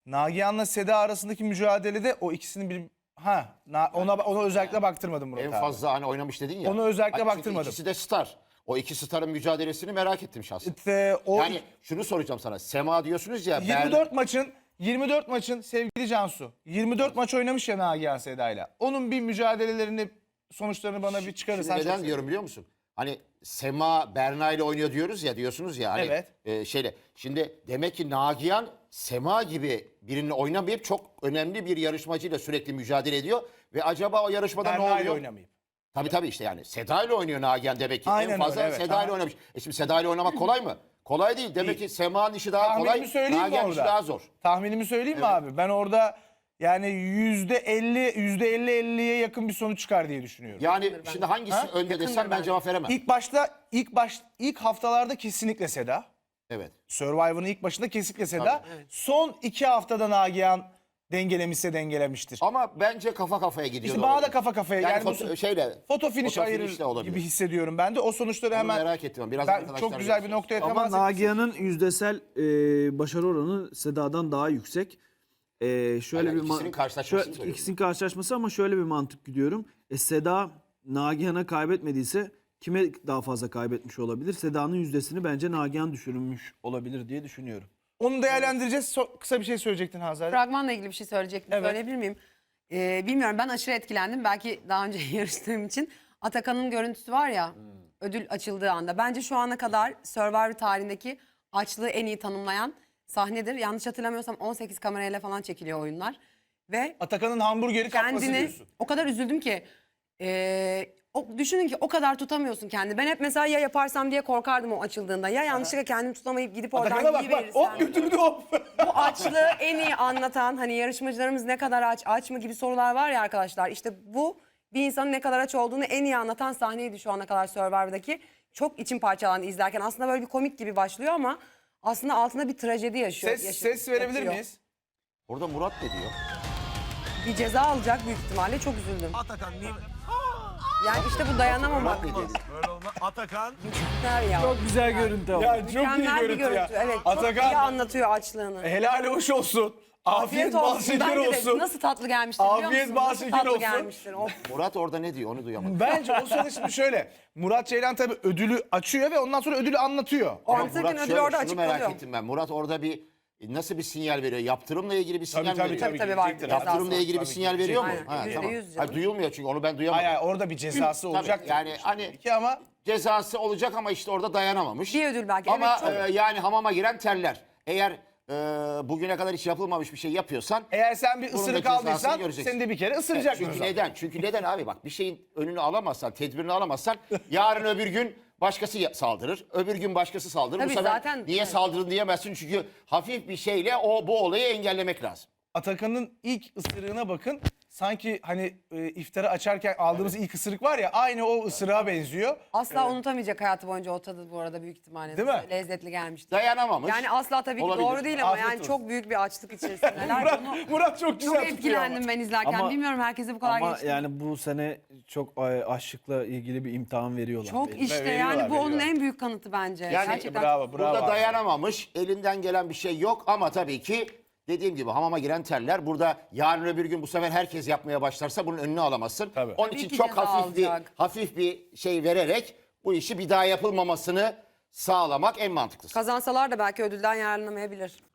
Nagihan'la Seda arasındaki mücadelede o ikisinin bir ona özellikle baktırmadım Murat En abi. fazla hani oynamış dedin ya. Onu özellikle Çünkü baktırmadım. İkisi de star. O iki starın mücadelesini merak ettim şahsen. O Yani şunu soracağım sana. Sema diyorsunuz ya. 24 maçın sevgili Cansu 24 maç oynamış ya Nagihan Seda'yla. Onun bir mücadelelerini sonuçlarını bana bir çıkarırsan. Şimdi neden diyorum biliyor musun? Hani Sema Berna ile oynuyor diyorsunuz ya. Hani, Evet. Şimdi demek ki Nagihan Sema gibi birini oynamayıp çok önemli bir yarışmacıyla sürekli mücadele ediyor. Ve acaba o yarışmada ne Berna ile oluyor? oynamayıp. Tabii işte yani Seda ile oynuyor Nagihan demek ki. Aynen En fazla öyle, evet. Seda ile oynamış. Şimdi Seda ile oynamak kolay mı? Kolay değil. Demek ki Sema'nın işi daha kolay. Tahminimi söyleyeyim mi Nagihan'ın işi orada? daha zor. Tahminimi söyleyeyim mi abi? Ben orada yani %50'ye yakın bir sonuç çıkar diye düşünüyorum. Yani şimdi hangisi önde desem ben cevap veremem. İlk haftalarda kesinlikle Seda. Evet. Survivor'ın ilk başında kesinlikle Seda. Son 2 haftada Nagihan dengelemişse dengelemiştir. Ama bence kafa kafaya gidiyor. İşte bana da kafa kafaya. Yani foto finish ayırır de olabilir. gibi hissediyorum ben de. O sonuçları Onu hemen merak ettim. Biraz ben arkadaşlar çok güzel bir görüşürüz. noktaya Ama temas ettim. Nagihan'ın yüzdesel başarı oranı Seda'dan daha yüksek. Şöyle Aynen, bir ikisinin karşılaşmasını söylüyorum. ikisinin karşılaşması ama şöyle bir mantık gidiyorum. Seda Nagihan'a kaybetmediyse kime daha fazla kaybetmiş olabilir? Seda'nın yüzdesini bence Nagihan düşürmüş olabilir diye düşünüyorum. Onu değerlendireceğiz. Kısa bir şey söyleyecektin Hazal. Fragmanla ilgili bir şey söyleyecektim. Evet. Söyleyebilir miyim? Bilmiyorum, ben aşırı etkilendim. Belki daha önce yarıştığım için. Atakan'ın görüntüsü var ya, ödül açıldığı anda. Bence şu ana kadar Survivor tarihindeki açlığı en iyi tanımlayan sahnedir. Yanlış hatırlamıyorsam 18 kamerayla falan çekiliyor oyunlar. Ve Atakan'ın hamburgeri kapması kendini diyorsun. o kadar üzüldüm ki. Düşünün ki o kadar tutamıyorsun kendini. Ben hep mesela ya yaparsam diye korkardım o açıldığında. Ya yanlışlıkla kendimi tutamayıp gidip Atakan'a oradan bak yiyiverirsem. hop götürdü hop. Bu açlığı en iyi anlatan, hani yarışmacılarımız ne kadar aç mı gibi sorular var ya arkadaşlar. İşte bu bir insanın ne kadar aç olduğunu en iyi anlatan sahneydi şu ana kadar Survivor'daki. Çok içim parçalandı izlerken. Aslında böyle bir komik gibi başlıyor ama aslında altında bir trajedi yaşıyor. Ses verebilir yatıyor. miyiz? Orada Murat ne diyor? Bir ceza alacak büyük ihtimalle, çok üzüldüm. Atakan niye? Yani işte bu dayanamamak. Murat ne diyor? Böyle olmaz. Atakan. Mükemmel ya. Çok güzel görüntü ama. Ya çok iyi Mükemmel bir görüntü görüntü. ya. Evet, çok iyi Atakan anlatıyor açlığını. helal hoş olsun. Afiyet bal şeker Bence de olsun. nasıl tatlı gelmiştir biliyor musun? Afiyet bal Nasıl şeker tatlı olsun. gelmiştir. Of. Murat orada ne diyor onu duyamadım. Bence o sırada şimdi şöyle. Murat Ceylan tabii ödülü açıyor ve ondan sonra ödülü anlatıyor. O Ama anlatırken Murat ödül şöyle, orada şunu açık merak kalıyor. ettim ben. Murat orada nasıl bir sinyal veriyor? Yaptırımla ilgili bir sinyal mi veriyor? Tabii var. gidecektir. Yaptırımla ilgili bir Tabii sinyal gidecek. veriyor mu? Aynen, Tamam. %100 canım. Hayır, duyulmuyor çünkü onu ben duyamadım. Hayır orada bir cezası Tabii, olacak. yani hani ki ama cezası olacak ama işte orada dayanamamış. Bir ödül belki. Ama Evet, çok. yani hamama giren terler. Eğer bugüne kadar hiç yapılmamış bir şey yapıyorsan eğer sen bir bunun da ısırık cezasını aldıysan göreceksin. seni de bir kere ısıracak. Çünkü neden? Çünkü neden abi bak bir şeyin önünü alamazsan, tedbirini alamazsan yarın öbür gün başkası saldırır. Öbür gün başkası saldırır. Tabii Bu sefer zaten, niye evet. saldırdın diyemezsin çünkü hafif bir şeyle bu olayı engellemek lazım. Atakan'ın ilk ısırığına bakın. Sanki hani iftarı açarken aldığımız ilk ısırık var ya aynı o ısırığa benziyor. Asla unutamayacak hayatı boyunca o tadı bu arada büyük ihtimalle. Değil mi? Lezzetli gelmişti. Dayanamamış. Yani asla tabii ki Olabilir. doğru değil ama Afiyet yani olsun. çok büyük bir açlık içerisindeler. Bunu Murat çok güzel çok tutuyor ama. etkilendim ben izlerken. Ama- Bilmiyorum herkese bu kadar Ama geçti. yani bu sene çok açlıkla ilgili bir imtihan veriyorlar. Çok belli. işte Veriyorlar, yani bu onun veriyorlar. en büyük kanıtı bence. Yani Gerçekten bravo. Burada abi. dayanamamış, elinden gelen bir şey yok ama tabii ki dediğim gibi hamama giren terler. Burada yarın öbür gün bu sefer herkes yapmaya başlarsa bunun önünü alamazsın. Tabii. Onun Tabii için ki çok ceza alacak. hafif bir şey vererek bu işi bir daha yapılmamasını sağlamak en mantıklısı. kazansalar da belki ödülden yararlanamayabilir.